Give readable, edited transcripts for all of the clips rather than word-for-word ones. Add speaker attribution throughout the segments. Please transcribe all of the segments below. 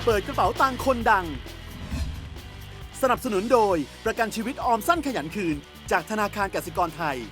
Speaker 1: ปิดกระเป๋าตังค์คนดังสนับสนุนโดยประกันชีวิตออมสั้นขยันคืนจากธนาคารกสิกรไทย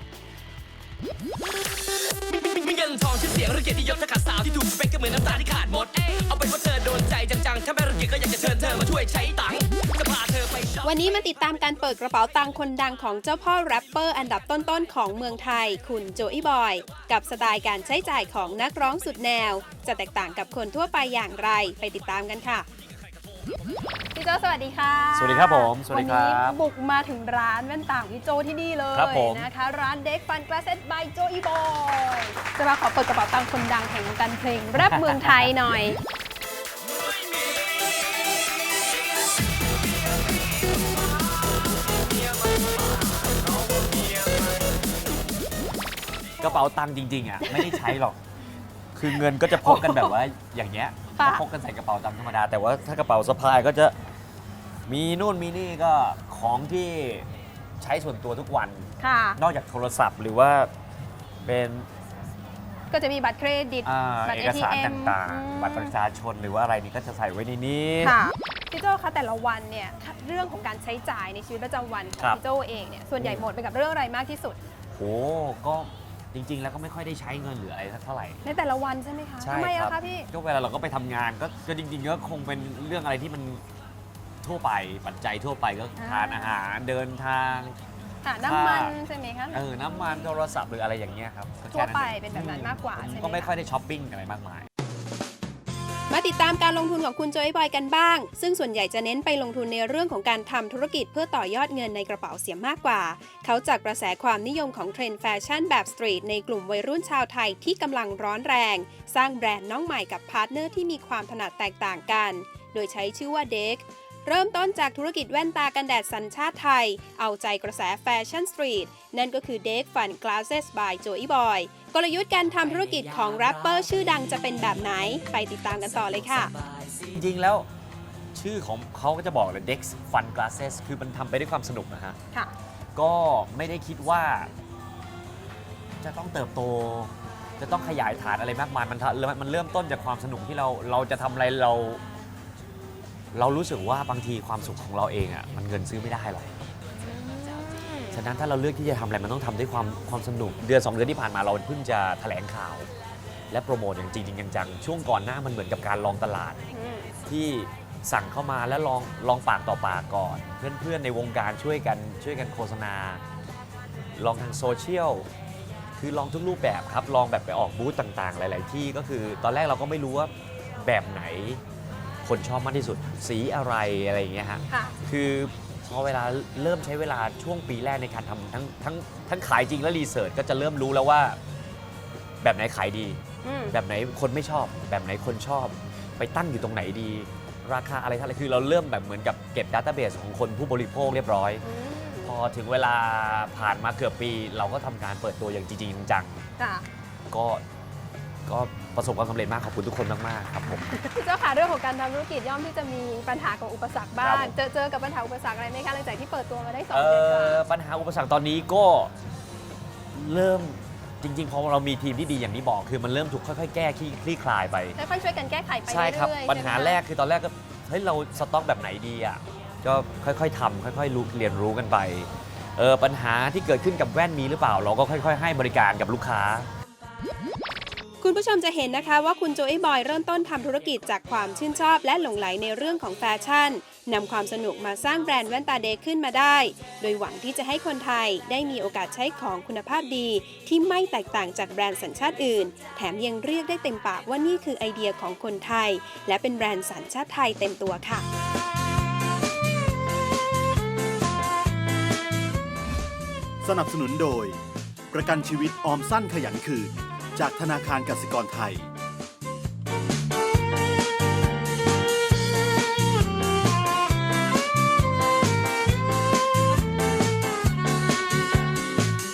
Speaker 2: มีเงินทองชื่อเสียงหรือเกียรติยศถ้าขาดสาวที่ถูกสเปคก็เหมือนน้ำตาที่ขาดหมดเอาเป็นว่าเธอโดนใจจังๆถ้าไม่รังเกียจก็อยากจะเชิญเธอมาช่วยใช้ตังค์จะพาเธอไปช็อป
Speaker 3: วันนี้มาติดตามการเปิดกระเป๋าตังค์คนดังของเจ้าพ่อแรปเปอร์อันดับต้นๆของเมืองไทยคุณโจอี้บอยกับสไตล์การใช้จ่ายของนักร้องสุดแนวจะแตกต่างกับคนทั่วไปอย่างไรไปติดตามกันค่ะพี่โจสวัสดีค่ะ
Speaker 4: สวัสดีครับผมสวัสดีครับ
Speaker 3: วันนี้บุกมาถึงร้านแว่นตาของพี่โจที่นี่เลยนะคะร้านเด็กฟันกลาสเซตบายโจอี้บอยจะมาขอเปิดกระเป๋าตังค์คนดังแห่งวงการเพลงแรปเมืองไทยหน่อย
Speaker 4: กระเป๋าตังค์จริงๆอ่ะไม่ได้ใช้หรอกคือเงินก็จะพกกันแบบว่าอย่างเงี้ยก็พกกันใส่กระเป๋าตังค์ธรรมดาแต่ว่าถ้ากระเป๋าสะพายก็จะมีนู่นมีนี่ก็ของที่ใช้ส่วนตัวทุกวันนอกจากโทรศัพท์หรือว่าเป็น
Speaker 3: ก็จะมีบัตรเครดิตบัตร
Speaker 4: เอกสาร
Speaker 3: ATM
Speaker 4: ต่างๆบัตรประชาชนหรือว่าอะไรนี่ก็จะใส่ไว้ในนี้
Speaker 3: พี่โจคะแต่ละวันเนี่ยเรื่องของการใช้จ่ายในชีวิตประจำวันของพี่โจเองเนี่ยส่วนใหญ่หมดไปกับเรื่องอะไรมากที่สุด
Speaker 4: โอ้ก็จริงๆแล้วก็ไม่ค่อยได้ใช้เงินหรืออะไรเท่าไหร่
Speaker 3: ในแต่ละวันใช่ไหมคะทำไมอะคะพี่
Speaker 4: ก็เวลาเราก็ไปทำงานก็จริงๆก็คงเป็นเรื่องอะไรที่มันทั่วไปปัจจัยทั่วไปก็ทานอาหารเดินทาง
Speaker 3: น้ำมันใช่ไหมคะ
Speaker 4: น้ำมันโทรศัพท์หรืออะไรอย่างเงี้ยครับ
Speaker 3: ทั่วไปเป็นแบบนั้นมากกว่าใช่ไหม
Speaker 4: ก็ไม่ค่อยได้ช้อปปิ้งอะไรมากมาย
Speaker 3: มาติดตามการลงทุนของคุณโจอี้บอยกันบ้างซึ่งส่วนใหญ่จะเน้นไปลงทุนในเรื่องของการทำธุรกิจเพื่อต่อยอดเงินในกระเป๋าเสียมากกว่าเขาจากกระแสความนิยมของเทรนด์แฟชั่นแบบสตรีทในกลุ่มวัยรุ่นชาวไทยที่กำลังร้อนแรงสร้างแบรนด์น้องใหม่กับพาร์ทเนอร์ที่มีความถนัดแตกต่างกันโดยใช้ชื่อว่าเด็กเริ่มต้นจากธุรกิจแว่นตากันแดดสัญชาติไทยเอาใจกระแสแฟชั่นสตรีทนั่นก็คือเด็กฟันกลาสเซสบายโจอี้บอยกลยุทธ์การทำธุรกิจของแรปเปอร์ชื่อดังจะเป็นแบบไหนไปติดตามกันต่อเลยค่ะ
Speaker 4: จริงๆแล้วชื่อของเขาก็จะบอกเลย Dex Fun Glasses คือมันทำไปด้วยความสนุกนะฮะก็ไม่ได้คิดว่าจะต้องเติบโตจะต้องขยายฐานอะไรมากมายมันเริ่มต้นจากความสนุกที่เราจะทำอะไรเรารู้สึกว่าบางทีความสุขของเราเองอ่ะมันเงินซื้อไม่ได้หรอกฉะนั้นถ้าเราเลือกที่จะทำอะไรมันต้องทำด้วยความสนุกเดือน2 เดือนที่ผ่านมาเราเพิ่งจะแถลงข่าวและโปรโมทอย่างจริงจังช่วงก่อนหน้ามันเหมือนกับการลองตลาดที่สั่งเข้ามาแล้วลองปากต่อปากก่อนเพื่อนๆในวงการช่วยกันโฆษณาลองทางโซเชียลคือลองทุกรูปแบบครับลองแบบไปออกบูธต่างๆหลายๆที่ก็คือตอนแรกเราก็ไม่รู้ว่าแบบไหนคนชอบมากที่สุดสีอะไรอย่างเงี้ยฮะคือพอเวลาเริ่มใช้เวลาช่วงปีแรกในการทำทั้งขายจริงและรีเสิร์ชก็จะเริ่มรู้แล้วว่าแบบไหนขายดีแบบไหนคนไม่ชอบแบบไหนคนชอบไปตั้งอยู่ตรงไหนดีราคาอะไรคือเราเริ่มแบบเหมือนกับเก็บดัตต้าเบสของคนผู้บริโภคเรียบร้อยพอถึงเวลาผ่านมาเกือบปีเราก็ทำการเปิดตัวอย่างจริงจังก็ประสบความสำเร็จมากขอบคุณทุกคนมากๆครับผม
Speaker 3: เจ้าค่ะเรื่องของการทำธุรกิจย่อมที่จะมีปัญหากับอุปสรรคบ้างเจอกับปัญหาอุปสรรคอะไรไหมคะหลังจากที่เปิดตัวมาได้2 เดือน
Speaker 4: ปัญหาอุปสรรคตอนนี้ก็เริ่มจริงๆพอเรามีทีมที่ดีอย่างที่บอกคือมันเริ่มถูกค่อยๆแก้คลี่คลายไป
Speaker 3: ค่อยๆช่วยกันแก้ไขไป
Speaker 4: ใช่ครับปัญหาแรกคือตอนแรกก็เฮ้ยเราสต็อกแบบไหนดีอ่ะก็ค่อยๆทำค่อยๆเรียนรู้กันไปปัญหาที่เกิดขึ้นกับแว่นมีหรือเปล่าเราก็ค่อยๆให้บริการกับลูกค้า
Speaker 3: คุณผู้ชมจะเห็นนะคะว่าคุณโจอี้บอยเริ่มต้นทำธุรกิจจากความชื่นชอบและหลงไหลในเรื่องของแฟชั่นนำความสนุกมาสร้างแบรนด์แว่นตาเด็กขึ้นมาได้โดยหวังที่จะให้คนไทยได้มีโอกาสใช้ของคุณภาพดีที่ไม่แตกต่างจากแบรนด์สัญชาติอื่นแถมยังเรียกได้เต็มปากว่านี่คือไอเดียของคนไทยและเป็นแบรนด์สัญชาติไทยเต็มตัวค่ะ
Speaker 1: สนับสนุนโดยประกันชีวิตออมสั้นขยันคืนจากธนาคารกสิกรไทย